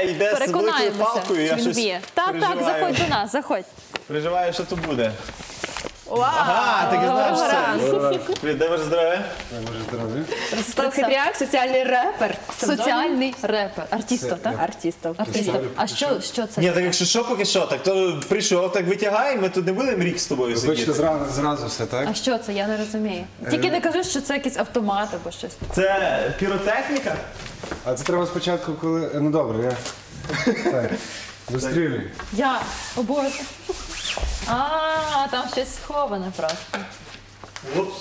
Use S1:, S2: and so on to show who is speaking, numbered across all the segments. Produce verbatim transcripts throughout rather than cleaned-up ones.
S1: йде, йде з великою
S2: Переконаємося,
S1: палкою, я
S2: чи він
S1: щось
S2: вміє. Так, так,
S1: переживаю.
S2: заходь до нас, заходь.
S1: Переживаю, що тут буде.
S3: Вау!
S1: Ага, так і знаєш це. Привіт, дай ваше здоров'я.
S3: Ростислав Хитряк, соціальний репер.
S2: Соціальний репер. Артісто, так?
S3: Артистов.
S2: Артісто. А що, що це?
S1: Ні, так якщо що, поки що, так то прийшов, так витягай, ми тут не будемо рік з тобою
S4: Хочете
S1: сидіти.
S4: зразу, зразу все, так?
S2: А що це? Я не розумію. Тільки не кажи, що це якийсь автомат або щось.
S1: Це піротехніка?
S4: А це треба спочатку, коли... Ну добре, я... Так, вистрілюй.
S2: Я, о Боже. А, там щось сховане просто.
S1: Упс.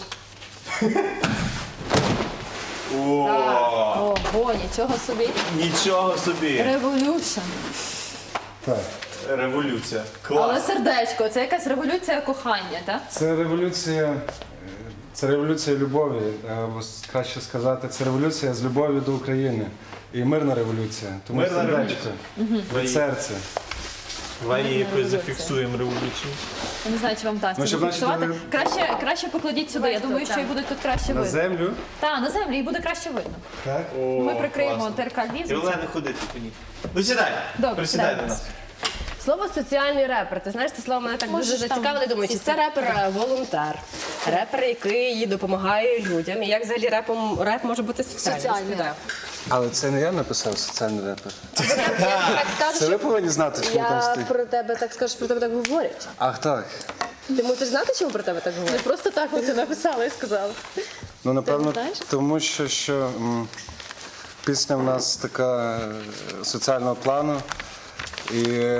S1: О,
S2: Ого, нічого собі.
S1: нічого собі.
S2: Революшн.
S4: Так.
S1: Революція.
S2: Але
S1: Клас.
S2: сердечко, це якась революція кохання, так?
S4: Це революція... е, Це революція любові, або краще сказати, це революція з любові до України. І мирна революція. Тому
S1: Мирна
S4: сердечко, від серця.
S1: Давай її якось зафіксуємо революцію.
S2: Я не знаю, чи вам вдасться
S4: Ну, щоб
S2: зафіксувати.
S4: бачити,
S2: Краще, краще покладіть сюди. Я думаю, що і буде тут краще
S4: На
S2: видно.
S4: землю.
S2: Так, на землі і буде краще видно.
S4: Так.
S2: Ми прикриємо
S1: класно.
S2: ТРК Львів.
S1: І Олена ходити по ній. Ну сідай,
S2: Добре,
S1: присідай
S2: сідай
S1: до
S2: до
S1: нас.
S3: Слово соціальний репер. Ти знаєш, це слово мене так
S2: Можеш
S3: дуже
S2: там
S3: зацікавило. Думаю, чи це репер-волонтер? Репер, який допомагає людям. І як взагалі репом, реп може бути соціальним?
S2: Соціальний
S3: Спитаю.
S4: Але це не я написав соціальний репер.
S3: Я так скажу,
S4: Це ви
S3: що
S4: повинні знати, чому там
S3: я
S4: стоїть.
S3: про тебе так скажу, що про тебе так говорять.
S4: Ах, так.
S3: Ти мусиш знати, чому про тебе так
S2: Не
S3: говорять?
S2: просто так ти написала і сказала.
S4: Ну, напевно,
S2: знаєш?
S4: тому що, що м, пісня в нас така е, соціального плану. І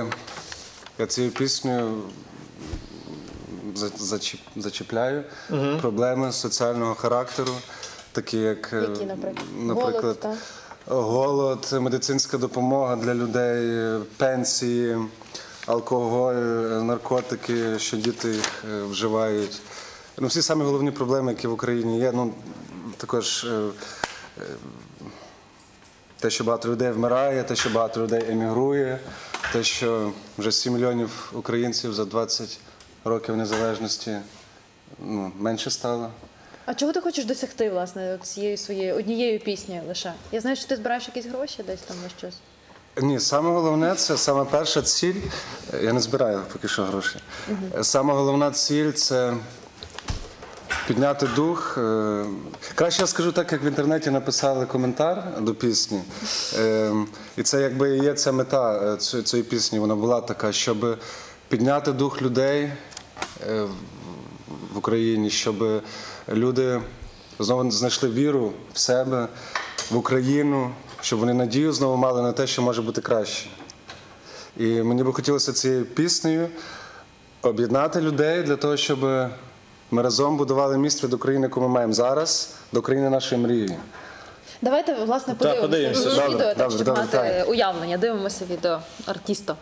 S4: я цією піснею за- зачіп- зачіпляю проблеми соціального характеру, такі як, е,
S3: Які, наприклад?
S4: наприклад,
S3: Голод, так?
S4: голод, медицинська допомога для людей, пенсії, алкоголь, наркотики, що діти їх е, вживають. Ну, всі самі головні проблеми, які в Україні є. Ну, також е, е, те, що багато людей вмирає, те, що багато людей емігрує, те, що вже сім мільйонів українців за двадцять років незалежності ну, менше стало.
S2: А чого ти хочеш досягти, власне, от цією своєю однією піснею лише? Я знаю, що ти збираєш якісь гроші десь там на щось.
S4: Ні, саме головне, це саме перша ціль. Я не збираю поки що гроші. Саме головна ціль це підняти дух. Е, Краще я скажу так, як в інтернеті написали коментар до пісні. Е, І це якби і є ця мета е, цієї цієї пісні. Вона була така, щоб підняти дух людей е, в Україні, щоб люди знову знайшли віру в себе, в Україну, щоб вони надію знову мали на те, що може бути краще. І мені би хотілося цією піснею об'єднати людей для того, щоб ми разом будували міст від України, яку ми маємо зараз, до країни нашої мрії.
S2: Давайте, власне,
S1: подивимося.
S2: подивимося
S1: Добре,
S2: відео, так,
S4: добре,
S2: щоб
S4: добре,
S2: мати
S4: так.
S2: уявлення. Дивимося відео артіста.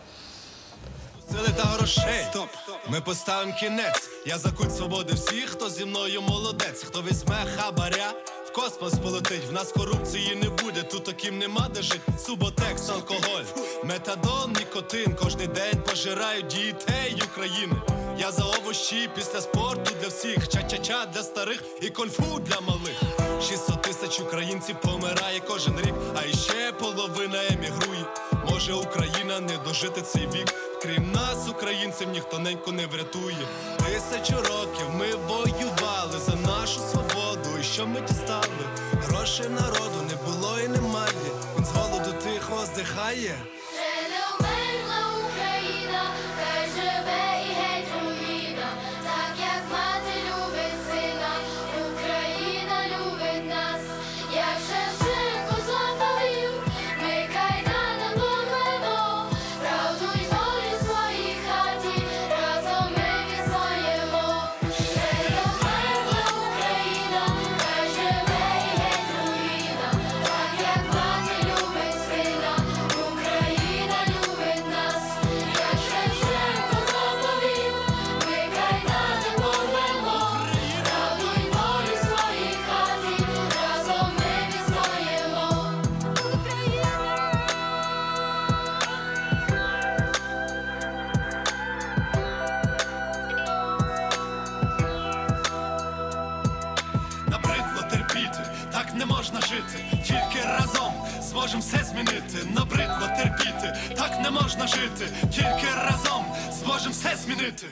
S5: Сили та грошей. Стоп. Ми поставимо кінець. Я за культ свободи всіх, хто зі мною молодець. Хто візьме хабаря, в космос полетить. В нас корупції не буде, тут таким нема де жить. Суботекс, алкоголь, метадон, нікотин. Кожний день пожирають дітей України. Я за овощі після спорту для всіх. Ча-ча-ча для старих і кольфу для малих. шістсот тисяч українців помирає кожен рік, а іще половина емігрує. Може Україна не дожити цей вік. Крім нас, українців, ніхто неньку не врятує. Тисячу років ми воювали за нашу свободу. І що ми дістали? Грошей народу не було і немає. Він з голоду тихо здихає.
S6: Ще не вмерла Україна, хай живе і геть руїна. Так як мати любить сина, Україна любить нас. Як Шевченко заповів, ми кайданом порвемо. Правду й волю в своїй хаті, разом ми відстоїмо. Ще не вмерла Україна, хай живе і геть руїна. Так як мати любить сина, Україна любить нас. Як Шевченко заповів, ми кайданом порвемо. Правду й волю в своїй хаті, разом ми відстоїмо.
S5: Набридло терпіти, так не можна жити. Тільки разом зможемо все змінити. Набридло терпіти, можна жити, тільки разом зможемо все змінити.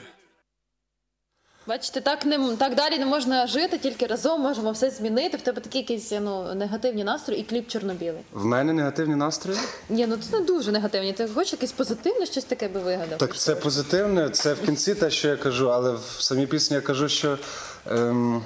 S2: Бачите, так не так далі не можна жити, тільки разом можемо все змінити. В тебе такі якісь ну негативні настрої і кліп чорно-білий.
S4: В мене негативні настрої?
S2: Ні, ну це не дуже негативні. Ти хочеш якесь позитивне, щось таке би вигадав?
S4: Так це позитивне, це в кінці те, що я кажу, але в самій пісні я кажу, що ем,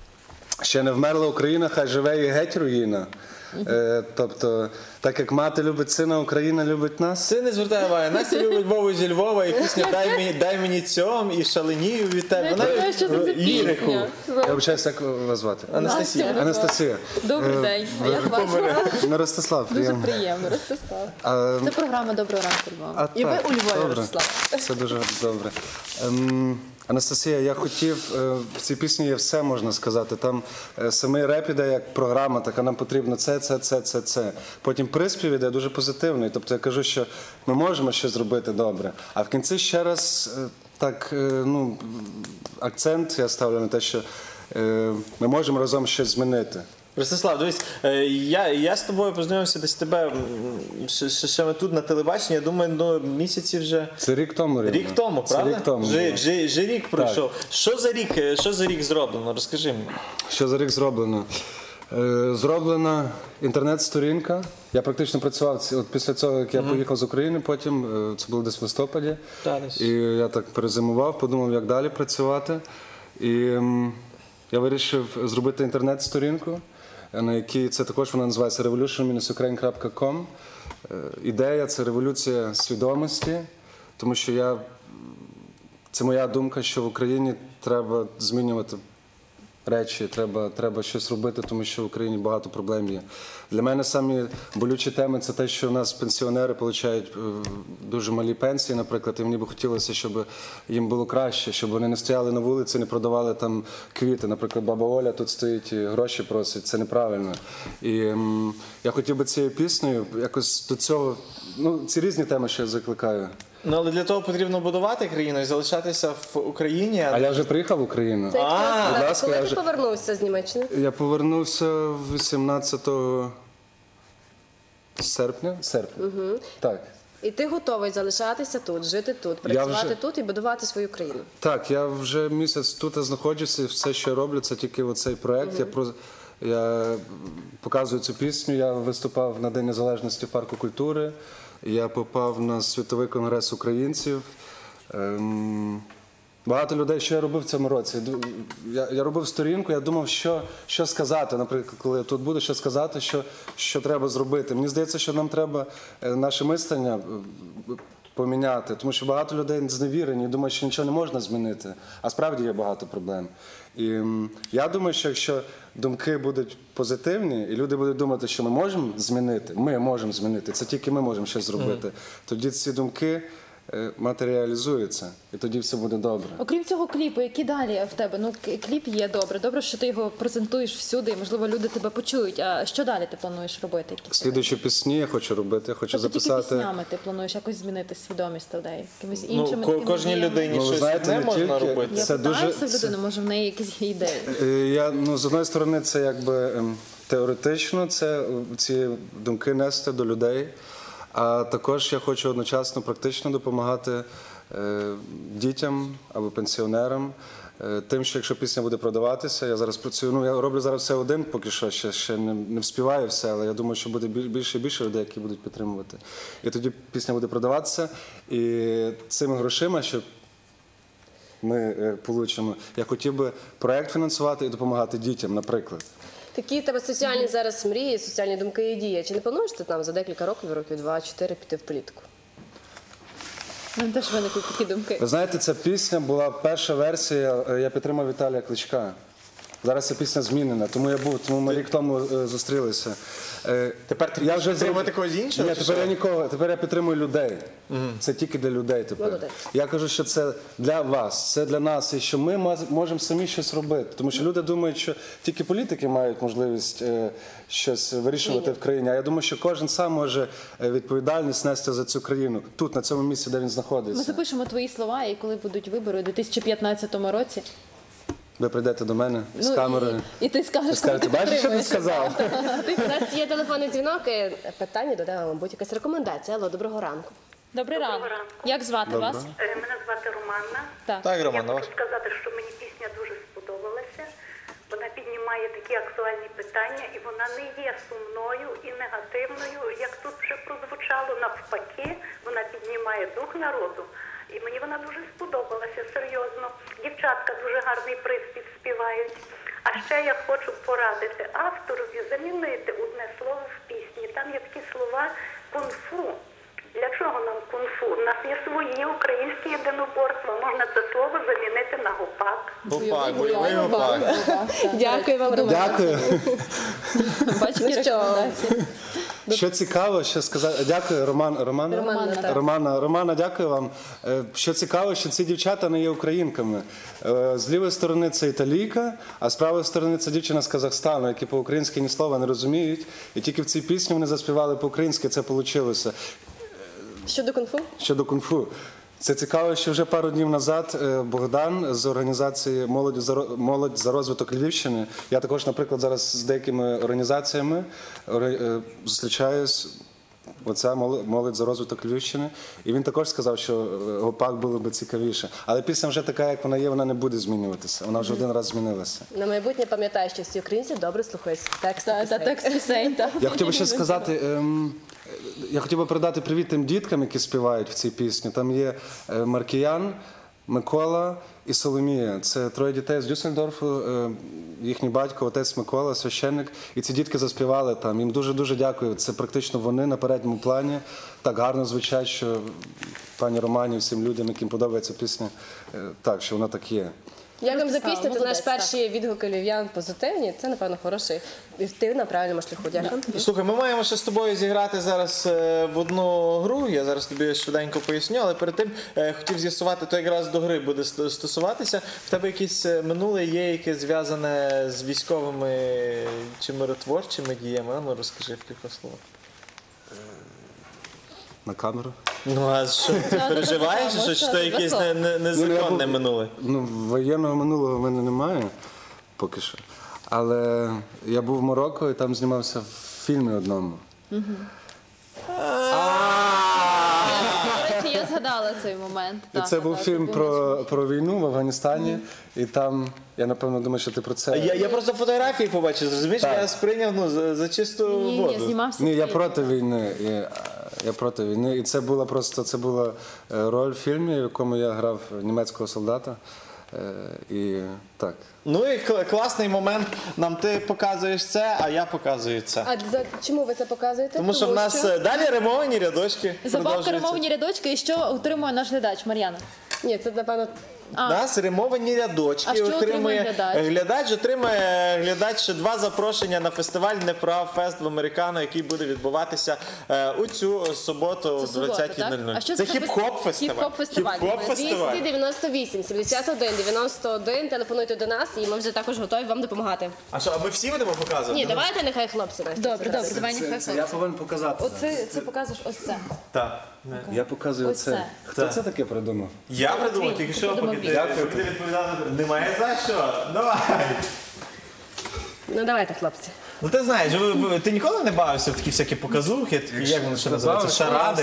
S4: ще не вмерла Україна, хай живе і геть руїна. Е, тобто, так як мати любить сина, Україна любить нас.
S1: Ти не звертай уваги. Настя любить Вову зі Львова і пісня «Дай мені, дай мені цьом» і «Шаленію від тебе».
S2: Я
S1: Вона
S2: знаю, що це за
S1: лірику.
S2: пісня.
S4: Я вибачаюся, як вас звати?
S1: Анастасія.
S4: Анастасія.
S2: Добрий день. А як вас?
S4: Ну, Ростислав,
S2: Дуже
S4: приємно.
S2: приємно, Ростислав.
S4: А,
S2: Це програма «Доброго ранку, Львова».
S4: А,
S3: І ви
S4: так,
S3: у Львові,
S4: добре.
S3: Ростислав.
S4: Це дуже добре. Ем, Анастасія, я хотів, е, в цій пісні є все, можна сказати. Там е, самий реп іде як програма, така нам потрібно це, це, це, це, це. Потім приспів іде дуже позитивний. Тобто я кажу, що ми можемо щось зробити добре. А в кінці ще раз е, так, е, ну, акцент я ставлю на те, що е, ми можемо разом щось змінити.
S1: Ростислав, дивись, е, я, я з тобою познайомився десь тебе м, ще, ще, ще ми тут на телебаченні, я думаю, ну, місяці вже.
S4: Це рік тому, рівно.
S1: Рік тому,
S4: Це
S1: правда?
S4: рік тому.
S1: Вже,
S4: да.
S1: вже, вже рік пройшов. Що за рік, е, що за рік зроблено? Розкажи мені.
S4: Що за рік зроблено? Е, Зроблена інтернет-сторінка. Я практично працював ці- от після цього, як я поїхав з України, потім е, це було десь в листопаді.
S1: Та, десь.
S4: І я так перезимував, подумав, як далі працювати. І ем, я вирішив зробити інтернет-сторінку, е, на якій це також вона називається revolution dash ukraine крапка com. Е, Ідея це революція свідомості, тому що я це моя думка, що в Україні треба змінювати речі, треба, треба щось робити, тому що в Україні багато проблем є. Для мене самі болючі теми це те, що у нас пенсіонери отримують дуже малі пенсії, наприклад, і мені би хотілося, щоб їм було краще, щоб вони не стояли на вулиці, не продавали там квіти. Наприклад, баба Оля тут стоїть і гроші просить, це неправильно. І ем, я хотів би цією піснею якось до цього, ну, ці різні теми, що я закликаю.
S1: Ну, але для того потрібно будувати країну і залишатися в Україні.
S4: А я вже приїхав в Україну.
S3: Це як
S1: А,
S3: хотіла
S4: будь
S3: сказати,
S4: ласка,
S3: коли
S4: я
S3: ти
S4: вже-
S3: повернувся з Німеччини?
S4: Я повернувся вісімнадцятого серпня. Серпня. Так.
S3: І ти готовий залишатися тут, жити тут,
S4: Я
S3: працювати
S4: вже-
S3: тут і будувати свою країну.
S4: Так, я вже місяць тут знаходжуся, і все, що я роблю, це тільки оцей проект. Я про я показую цю пісню. Я виступав на День Незалежності в парку культури. Я попав на світовий конгрес українців. Ем, Багато людей, що я робив в цьому році. Ду- Я, я робив сторінку, я думав, що, що сказати, наприклад, коли я тут буду, що сказати, що, що треба зробити. Мені здається, що нам треба е, наше мислення е, поміняти, тому що багато людей зневірені і думають, що нічого не можна змінити, а справді є багато проблем. І м, я думаю, що якщо думки будуть позитивні, і люди будуть думати, що ми можемо змінити, ми можемо змінити, це тільки ми можемо щось зробити, тоді ці думки е, матеріалізуються, і тоді все буде добре.
S2: Окрім цього кліпу, які далі в тебе? Ну, к- кліп є добре. Добре, що ти його презентуєш всюди, і, можливо, люди тебе почують. А що далі ти плануєш робити? Які в тебе?
S4: Слідуючі пісні я хочу робити, я хочу
S2: Тобто тільки
S4: записати.
S2: піснями ти плануєш якось змінити свідомість людей? Якимись
S1: Ну,
S2: іншими
S1: ко-
S2: такими
S1: кожній
S2: діями?
S1: людині
S4: Ну, ви
S1: щось
S4: знаєте,
S1: не
S4: не
S1: можна
S4: тільки-
S1: робити.
S2: Я
S4: Це
S2: питаюся
S4: дуже-
S2: в людини, може в неї якісь є ідеї.
S4: Е, Я, ну, з одної сторони, це якби ем, теоретично, це е, ці думки нести до людей, а також я хочу одночасно практично допомагати е, дітям або пенсіонерам. е, Тим, що якщо пісня буде продаватися, я зараз працюю. Ну я роблю зараз все один, поки що ще, ще не, не вспіваю все, але я думаю, що буде біль- більше і більше людей, які будуть підтримувати. І тоді пісня буде продаватися, і цими грошима, що ми е, получимо, я хотів би проект фінансувати і допомагати дітям, наприклад.
S3: Такі в тебе соціальні зараз мрії, соціальні думки і дії. Чи не плануєш ти там за декілька років, років два-чотири, піти в політику?
S2: Нам теж виникли такі думки.
S4: Ви знаєте, ця пісня була перша версія, е, я підтримав Віталія Кличка. Зараз ця пісня змінена, тому я був, тому ми рік тому е, зустрілися. Е,
S1: Тепер ти
S4: я
S1: будеш підтримувати
S4: зроб-
S1: когось іншого,
S4: Ні,
S1: чи
S4: тепер
S1: що?
S4: я нікого, тепер я підтримую людей. Це тільки для людей тепер.
S3: Молодець.
S4: Я кажу, що це для вас, це для нас, і що ми маз- можемо самі щось робити. Тому що люди думають, що тільки політики мають можливість е, щось вирішувати в країні. А я думаю, що кожен сам може е, відповідальність нести за цю країну тут, на цьому місці, де він
S2: Ми
S4: знаходиться.
S2: запишемо твої слова, і коли будуть вибори у дві тисячі п'ятнадцятому році.
S4: Ви прийдете до мене з
S2: ну,
S4: камерою.
S2: І, і ти скажеш,
S4: Ви скажете,
S2: коли ти
S4: бачиш, що ти
S2: підтримуєш.
S4: сказав?
S3: У нас є телефонний дзвінок, і питання додає, мабуть, якась рекомендація. Алло, доброго ранку.
S2: Добрий ранок.
S7: Доброго ранку.
S2: Як звати
S4: Доброго.
S2: вас?
S7: Е, Мене звати Романна.
S2: Так.
S1: Так,
S7: Я
S1: Роман,
S7: хочу сказати, що мені пісня дуже сподобалася. Вона піднімає такі актуальні питання, і вона не є сумною і негативною, як тут вже прозвучало. Навпаки, вона піднімає дух народу. І мені вона дуже сподобалася, серйозно. Дівчатка дуже гарний приспів співають. А ще я хочу порадити авторові замінити одне слово в пісні. Там є такі слова кунг-фу. Для чого нам кунг-фу? У нас є свої українські єдиноборства. Можна це слово замінити на гопак.
S1: Гопак, бойовий гопак.
S3: Дякую вам, Роман.
S4: Дякую.
S2: Бачите,
S3: Ну що?
S2: рекомендації.
S4: Що цікаво, що сказати. Дякую, Роман. Романа?
S3: Романа, так.
S4: Романа, Романа, дякую вам. Е, Що цікаво, що ці дівчата не є українками. Е, З лівої сторони це італійка, а з правої сторони це дівчина з Казахстану, які по-українськи ні слова не розуміють. І тільки в цій пісні вони заспівали по-українськи, це вийшло.
S3: Щодо кунг-фу?
S4: Щодо кунг-фу. Це цікаво, що вже пару днів назад е, Богдан з організації «Молодь за, ро- молодь за розвиток Львівщини», я також, наприклад, зараз з деякими організаціями оре- е, зустрічаюсь, оця «Моло- «Молодь за розвиток Львівщини», і він також сказав, що е, гопак було б цікавіше. Але пісня вже така, як вона є, вона не буде змінюватися. Вона вже один раз змінилася.
S3: На майбутнє пам'ятаю, що всі українці добре слухають тексти
S2: Та, та
S3: пісень.
S2: текст пісень, так.
S4: Я хотів би ще сказати, ем, я хотів би передати привіт тим діткам, які співають в цій пісні. Там є е, Маркіян, Микола і Соломія. Це троє дітей з Дюссельдорфу, е, їхній батько, отець Микола, священник. І ці дітки заспівали там. Їм дуже-дуже дякую. Це практично вони на передньому плані. Так гарно звучать, що пані Романі, всім людям, яким подобається пісня, е, так, що вона так є.
S3: Дякуємо за
S2: Стало,
S3: пісню. Це наш
S2: молодець,
S3: перші відгуки львів'ян позитивні. Це, напевно, хороший. І ти на правильному шляху. Дякую.
S1: Слухай, ми маємо ще з тобою зіграти зараз е, в одну гру. Я зараз тобі швиденько поясню, але перед тим е, хотів з'ясувати, то якраз до гри буде ст- стосуватися. В тебе якесь е, минуле є, яке зв'язане з військовими чи миротворчими діями? А ну розкажи в кілька словах.
S4: На камеру.
S1: Ну а що ти переживаєш, що, чи то якесь не, не, незаконне
S4: був-
S1: минуле?
S4: Ну, воєнного минулого в мене немає поки що. Але я був в Марокко і там знімався в фільмі одному.
S2: До речі, я згадала цей момент.
S4: І
S2: Так,
S4: це
S2: так,
S4: був
S2: так,
S4: фільм
S2: це
S4: про, про війну в Афганістані. І там, я напевно думаю, що ти про це.
S1: Я, я просто фотографії побачив, зрозумієш,
S4: Так.
S1: я сприйняв ну, за, за чисту
S2: Ні,
S1: воду.
S2: ні, знімався.
S4: Ні,
S2: в
S4: я
S2: фільмі.
S4: проти війни. Я, я проти війни. І це була просто це була е, роль в фільмі, в якому я грав німецького солдата. Е, І так.
S1: Ну і кл- класний момент. Нам ти показуєш це, а я показую це.
S3: А за чому ви це показуєте?
S1: Тому що в нас е, далі римовані рядочки.
S2: Забавка
S1: продовжуються.
S2: ремовні рядочки, і що отримує наш глядач Мар'яна?
S3: Ні, це, напевно,
S1: У нас римовані рядочки.
S2: А що отримує глядач?
S1: глядач отримує глядач ще два запрошення на фестиваль Неправ Фест в Американо, який буде відбуватися е, у цю суботу о
S2: Це субота,
S1: двадцятій нуль нуль.
S2: так? А що
S1: Це
S2: це за
S1: хіп-хоп фестиваль.
S2: хіп-хоп фестиваль?
S1: Хіп-хоп фестиваль.
S3: двісті дев'яносто вісім, сімдесят один, дев'яносто один. Телефонуйте до нас, і ми вже також готові вам допомагати.
S1: А що, а ми всі будемо показувати?
S3: Ні, давайте нехай хлопці. Настя,
S2: Добре,
S3: це
S2: добре, давай нехай
S4: Це я повинен показати.
S2: Оце це показуєш ось це.
S1: Так.
S4: Я показую
S2: Ось
S4: це.
S2: це.
S4: Хто
S1: Так.
S4: це таке придумав?
S1: Я придумав, тільки що,
S2: Придумав
S1: поки ти,
S2: він.
S1: поки ти відповідав. Немає за що. Давай.
S3: Ну давайте, хлопці.
S1: Ну ти знаєш, ви- ви- ти ніколи не бавився в такі всякі показухи, такі, як вони ще називаються, шаради.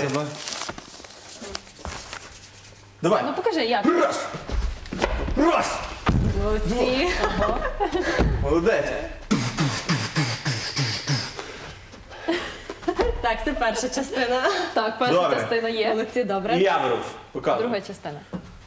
S1: Давай.
S2: Ну покажи, як.
S1: Раз!
S3: Молодці.
S1: Молодець.
S3: Так, це перша частина.
S2: Так, перша
S1: Добре.
S2: частина є.
S3: Молодці,
S1: І
S3: добре.
S1: я беру. Показуй.
S2: Друга частина.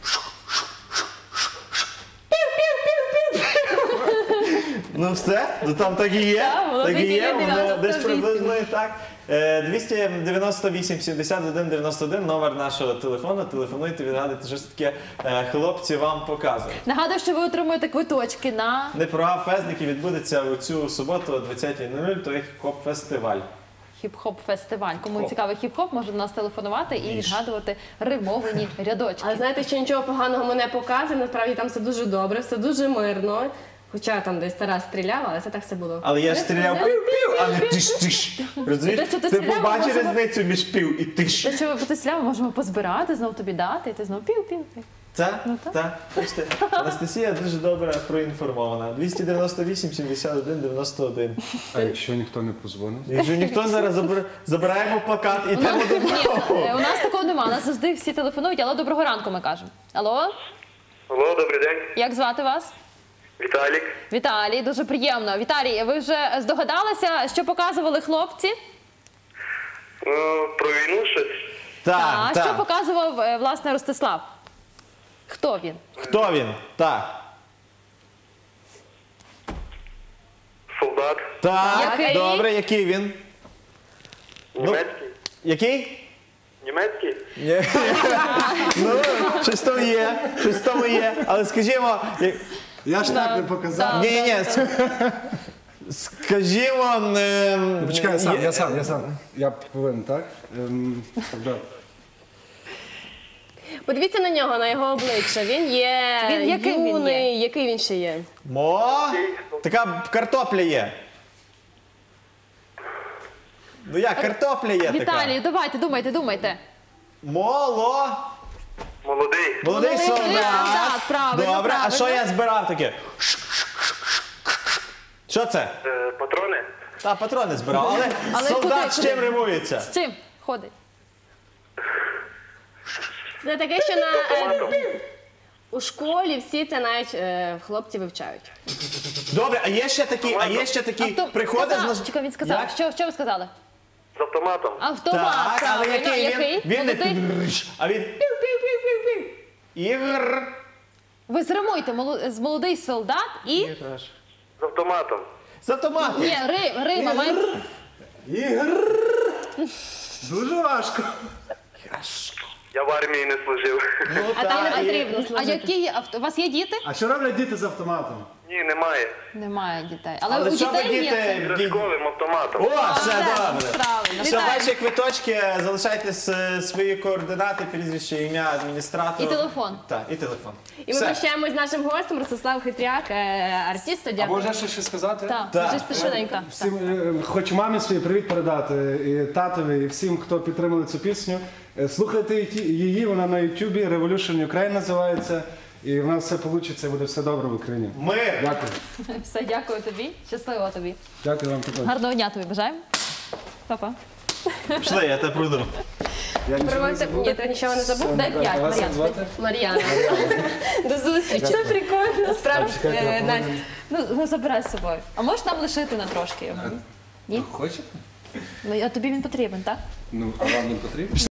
S1: Ну все, ну там так і є.
S2: Так, воно
S1: Так і є,
S2: двісті
S1: воно
S2: дев'яносто
S1: десь
S2: вісім.
S1: приблизно і так. Е, двісті дев'яносто вісім сімдесят один дев'яносто один, номер нашого телефону. Телефонуйте, відгадуйте, що ж таке е, хлопці вам показують.
S2: Нагадую, що ви отримуєте квиточки на
S1: Не прогав фест, який відбудеться у цю суботу о двадцятій нуль нуль, то є хіп-хоп-фестиваль.
S2: хіп-хоп фестиваль. Кому
S1: Хоп.
S2: цікавий хіп-хоп, може до нас телефонувати і відгадувати римовані рядочки.
S3: Але знаєте, що нічого поганого ми не показуємо, насправді там все дуже добре, все дуже мирно. Хоча там десь Тарас стріляв, але це так все було.
S1: Але я ж стріляв пів-пів, а не тиш-тиш. Розумієш?
S2: Те, що ти
S1: Ти
S2: стріляв,
S1: побачив
S2: можемо-
S1: різницю між пів і тиш.
S2: Те, що ви потисляли, можемо позбирати, знову тобі дати, і ти знову пів-пів.
S1: Так,
S2: Ну, так.
S1: так. Бачите, Анастасія дуже добре проінформована. двісті дев'яносто вісім сімдесят один дев'яносто один.
S4: А якщо ніхто не позвонить?
S1: Якщо ніхто зараз забер- забираємо плакат і йдемо
S2: Ні,
S1: додому.
S2: е, у нас такого немає. У нас завжди всі телефонують. Алло, доброго ранку, ми кажемо. Алло,
S8: Алло, добрий день.
S2: як звати вас?
S8: Віталік.
S2: Віталій, дуже приємно. Віталій, ви вже здогадалися, що показували хлопці?
S8: Ну, про війну щось.
S2: А
S1: Так,
S2: що
S1: так.
S2: показував, е, власне, Ростислав? Хто він?
S1: Хто він? Так.
S8: Солдат.
S1: Так,
S2: Який?
S1: добре, який він?
S8: Німецький.
S1: Який?
S8: Німецький?
S1: Ні. Ну, щось там є, щось там є. Але скажімо, як-
S4: Я ж так не показав.
S1: ні, ні, ні. Скажімо, е,
S4: Почекай, я сам,
S1: є-
S4: я сам, я сам. Я повинен, так? Ем, да.
S3: Подивіться на нього, на його обличчя. Він є
S2: Він яким він
S3: юний,
S2: є?
S3: який він ще є.
S1: Мо, така картопля є. Ну як, картопля є така.
S2: Віталій, давайте, думайте, думайте.
S1: Моло.
S8: Молодий.
S1: Молодий
S2: Молодий
S1: солдат.
S2: солдат, правильно,
S1: Добре, а
S2: правильно.
S1: що я збирав таке? Що це?
S8: Е, патрони.
S1: Та патрони збирав, але,
S2: Але
S1: солдат
S2: куди,
S1: з
S2: куди?
S1: чим римується?
S2: З чим ходить?
S3: Це таке, що на, е, у школі всі це навіть е, хлопці вивчають.
S1: Добре, а є ще такі, а є ще такі,
S2: Авто-
S1: приходить
S2: сказав,
S1: з нож-
S2: Чекай, він сказав.
S1: Як?
S2: Що, що ви сказали?
S8: З автоматом.
S2: Автомат,
S1: Так, але
S2: правильно.
S1: який він? Він не
S2: Молодий?
S1: пі- а він пів-пів-пів-пів-пів. Ігор.
S2: Ви зримуйте моло- з молодий солдат і...
S8: З автоматом.
S1: З автоматом.
S2: Ні, Ри, Рима, має...
S4: Ігор! Дуже важко.
S8: Я в армії не служив.
S3: А там не потрібно
S2: А
S3: служити.
S2: які є авто? У вас є діти?
S4: А що роблять діти з автоматом?
S8: Ні, немає.
S2: Немає дітей. Але,
S1: Але
S2: у
S1: що ви
S2: дітей є це.
S1: діти?
S8: Іграшковим автоматом.
S1: О, все
S2: Все,
S1: добре.
S2: правильно.
S1: Все,
S2: Вітаю.
S1: ваші квиточки, залишайте с- свої координати, прізвище, ім'я адміністратора.
S2: І телефон.
S1: Так, і телефон.
S3: І ми
S1: Все.
S3: прощаємось з нашим гостем Ростислав Хитряк, е, артист, суддя.
S4: Або вже ще щось сказати?
S2: Так,
S1: Так.
S2: вже спішененько.
S4: Всім, е, хочу мамі своїй привіт передати, і татові, і всім, хто підтримали цю пісню. Е, Слухайте її- її, вона на Ютубі, Revolution Ukraine називається. І в нас все вийде, буде все добре в Україні.
S1: Мир.
S4: Дякую.
S2: Все, дякую тобі. Щасливо тобі.
S4: Дякую вам також.
S2: Гарного дня тобі бажаємо. Па-па.
S1: Пішли, я тебе пройду.
S4: Я нічого не
S3: Проводьте-
S4: забув.
S3: Ні, ти нічого не забув?
S2: Дай п'ять,
S4: А вас як
S2: Мар'ян.
S4: звати?
S3: Мар'яна. До зустрічі. Це прикольно. Справді,
S4: Чекайте, я
S3: е, Настя.
S4: повинен-
S2: Ну, ну, забирай з собою. А можеш нам лишити на трошки його? Ні?
S4: Хочете?
S2: Ну, а тобі він потрібен, так?
S4: Ну, а вам не потрібно?